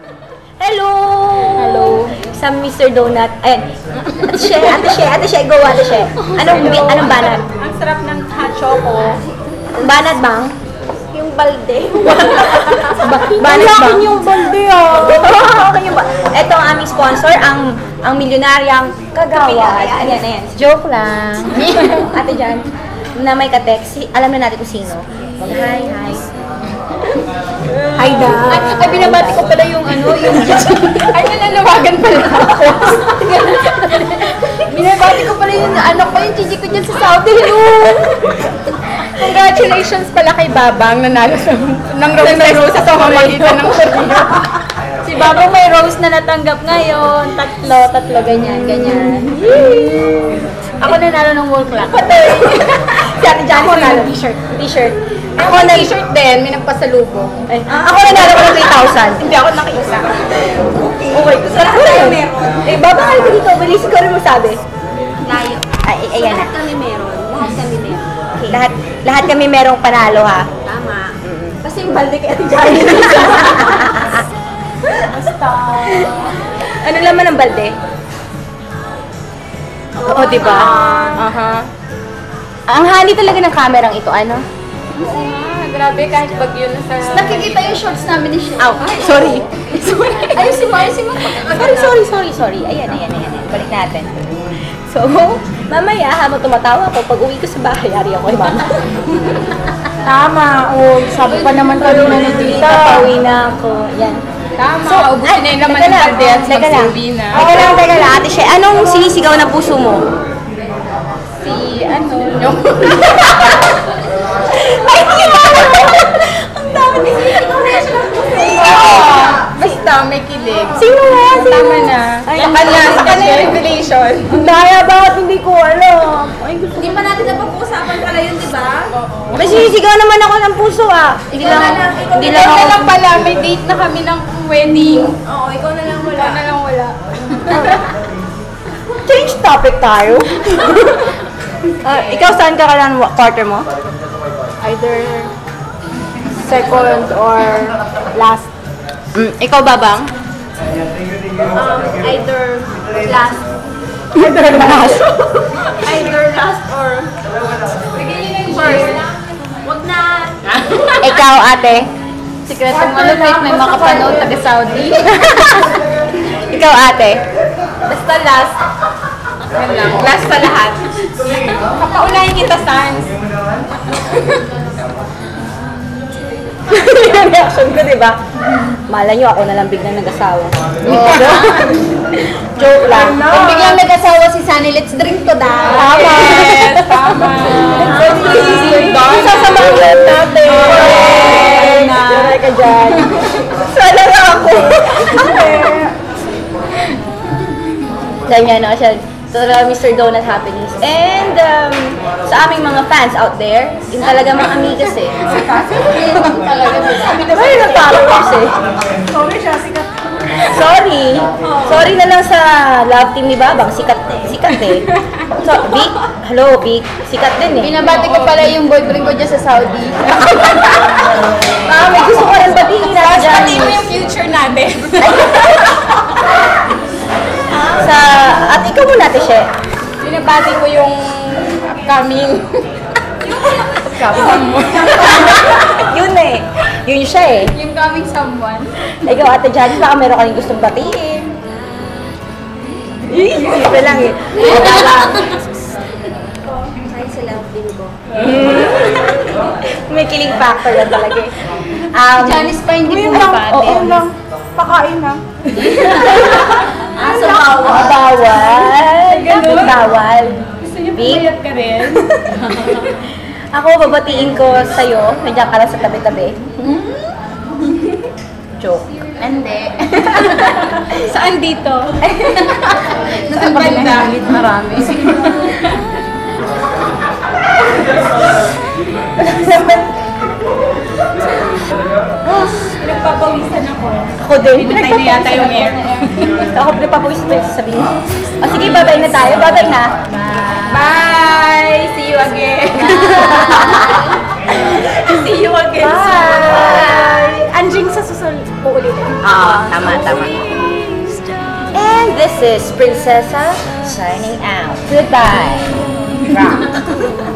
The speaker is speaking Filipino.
Hello! Hello. Sa Mr. Donut. Ayan. Ate She, go Ate She. Anong banat? Ang sarap ng hot choco. Banat bang? Yung balde. Banat bang? yung balde ah. Ito ang aming sponsor, ang milyonaryang kagawad. Ayan. Joke lang. Ate Jan, na may ka-text, alam na natin kung sino. Hi. Hi, Dad. Ay, binabati ko pala yung ay, nananawagan pala ako. Binabati ko pala yung anak ko, yung chichi ko dyan sa Saudi. Hello! Congratulations pala kay Babang, nanalo ng rose sa pamamagitan ng Korea. Si Babang may rose na natanggap ngayon. Tatlo, ganyan. Ako nanalo ng wall clock. Si Ate Jan, Ako nanalo. ng t-shirt. Ako Ako na t-shirt din, may nagpasalubong. Ako nanalo ko ng 3,000. Hindi ako nakita. Okay, sarap tayo meron. Babakal ko dito, bilis ko rin mo sabi. Layo. Ay, ayan na. Lahat kami meron. Lahat kami meron. Okay. Lahat kami merong panalo ha. Tama. Basta yung balde kay Ate Jai. Basta. Ano laman ng balde? Oo, di ba? Ang hani talaga ng kamerang ito, ano? Grabe, kahit bagyo na sa... Nakikita yung shorts namin ni Shea. Ow, sorry. Ayusin mo. Sorry. Ayan. Balik natin. So, mamaya habang tumatawa ako, pag uwi ko sa bahay, ari ako kay mama. Tama, sabi pa naman kanina ni Tita. Pauwi na ako. Yan. Tama, So, ubusin na yung laman ng balde at teka lang. magsuwi na. Teka lang, Ate She. Anong sinisigaw ng puso mo? Yung... Ay, hindi ba? Ang dami. Basta, may kilig. Sino nga? Tama na. Ay, Sa kanya yung revelation. Ang daya, bakit hindi ko alam? Ay, gusto Hindi pa natin napag-uusapan pala yun, di ba? May sinisigaw naman ako ng puso ah. Hindi lang Ikaw na lang pala, may date na kami ng wedding. Oo, ikaw na lang wala. Ikaw na lang wala. Change topic tayo. Ikaw saan ka ng quarter mo? Either second or last. Ikaw babang? Either last. Either last. Either last or... Bigyan nyo na yung first. Wag na. Ikaw ate? Sikretong malupit, may makapanood taga Saudi. Ikaw ate? Basta last. Yan lang. Last sa lahat. Kapaunahin kita, Sans. Yung reaction ko, di ba? Malay nyo, ako na lang biglang nag-asawa. Joke lang. Kung biglang nag-asawa si Sunny, let's drink to that. Yes, tama. Sasamahan natin. Joke ka dyan. Sana nga ako. Ganyan na siya. So, Mr. Donut Happenings. And sa aming mga fans out there, yun talaga mga amigas eh. Diba yun ang followers eh? Sorry na lang sa love team ni Babang. Sikat eh. So, Vic, hello Vic. Sikat din eh. Binabati ko pala yung boyfriend ko dyan sa Saudi. May gusto ko rin batiin natin dyan. Pati mo yung future natin. At ikaw muna, Teshe. Binabati ko yung upcoming. Yun eh. Yun siya eh. Yung coming someone. Ikaw, Ate Janice, baka meron kayong gustong batiin. Simple lang eh. Ay, sa love team ko. May kilig factor lang talaga eh. Janice pa hindi Oo bumabati. lang. Pakain na. So, bawal. Bawal. Bakit bawal? Gusto niyo Vic? pumayat ka rin? Ako, babatiin ko sa'yo. Nandiyan ka lang sa tabi-tabi. Joke. Hindi. Saan dito? Saan banda? Marami. Pinagpapawisan ako. Ako din. Pinatay na yata yung air. Ako pinagpapawisan tayo sasabihin. O sige, babay na tayo. Babay na. Bye! See you again! See you again! Bye! Anjing sa susunod. Uulitin. Tama. And this is Princessa signing out. Goodbye. Rock.